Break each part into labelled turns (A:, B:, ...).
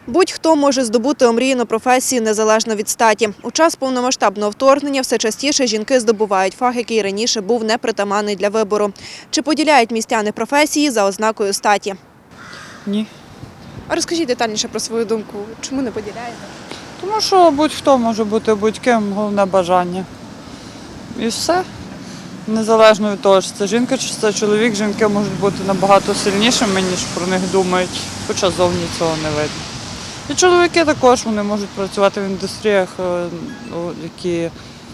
A: Будь-хто може здобути омріяну професію незалежно від статі. У час повномасштабного вторгнення все частіше жінки здобувають фах, який раніше був непритаманний для вибору. Чи поділяють містяни професії за ознакою статі?
B: Ні.
A: А розкажіть детальніше про свою думку. Чому не поділяєте?
B: Тому що будь-хто може бути будь-ким, головне бажання. І все. Незалежно від того, чи це жінка, чи це чоловік, жінки можуть бути набагато сильнішими, ніж про них думають, хоча зовні цього не видно. І чоловіки також вони можуть працювати в індустріях, які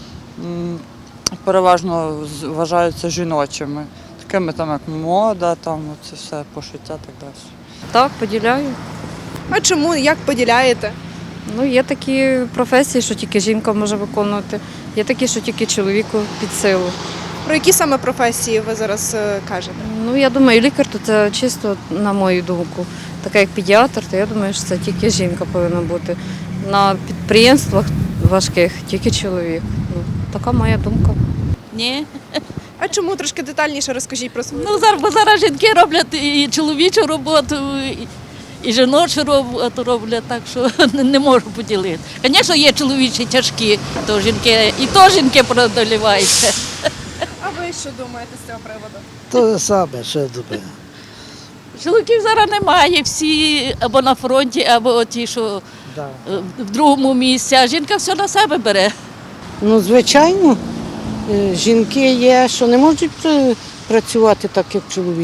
B: переважно вважаються жіночими, такими там, як мода, там, це все, пошиття і так далі.
C: Так, поділяю.
A: А чому? Як поділяєте?
C: Ну, є такі професії, що тільки жінка може виконувати, є такі, що тільки чоловіку під силу.
A: Про які саме професії ви зараз кажете?
C: Ну, я думаю, лікар то це чисто, на мою думку. Така як педіатр, то я думаю, що це тільки жінка повинна бути. На підприємствах важких тільки чоловік. Ну, така моя думка.
D: Ні.
A: А чому? Трошки детальніше розкажіть про свою
D: Ну, зараз жінки роблять і чоловічу роботу, і жіночу роботу роблять, так що не можу поділити. Звісно, є чоловічі тяжкі, то жінки, і то жінки преодоліваються.
A: А ви що думаєте з цього приводу?
E: То саме, що думаю.
D: Чоловіків зараз немає, всі або на фронті, або ті, що
E: Да.
D: в другому місці, а жінка все на себе бере.
F: Ну, звичайно, жінки є, що не можуть працювати так, як чоловік.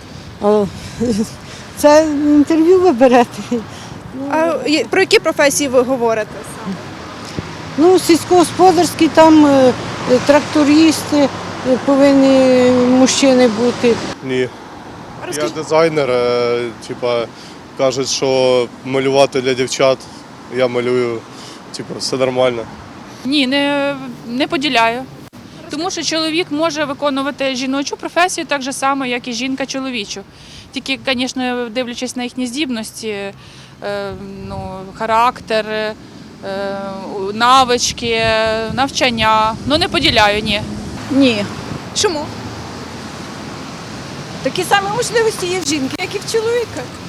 F: Це інтерв'ю ви берете.
A: А про які професії ви говорите?
F: Ну, сільськогосподарські, там трактористи повинні мужчини бути.
G: Ні.
A: А
G: Я
A: розкажіть,
G: дизайнер, кажуть, що малювати для дівчат, я малюю, все нормально.
H: Ні, не поділяю. Тому що чоловік може виконувати жіночу професію так же само, як і жінка чоловічу. Тільки, звісно, дивлячись на їхні здібності, характер, навички, навчання. Ну, не поділяю, ні.
I: Ні.
A: чому?
I: Такі самі можливості є в жінки, як і в чоловіка.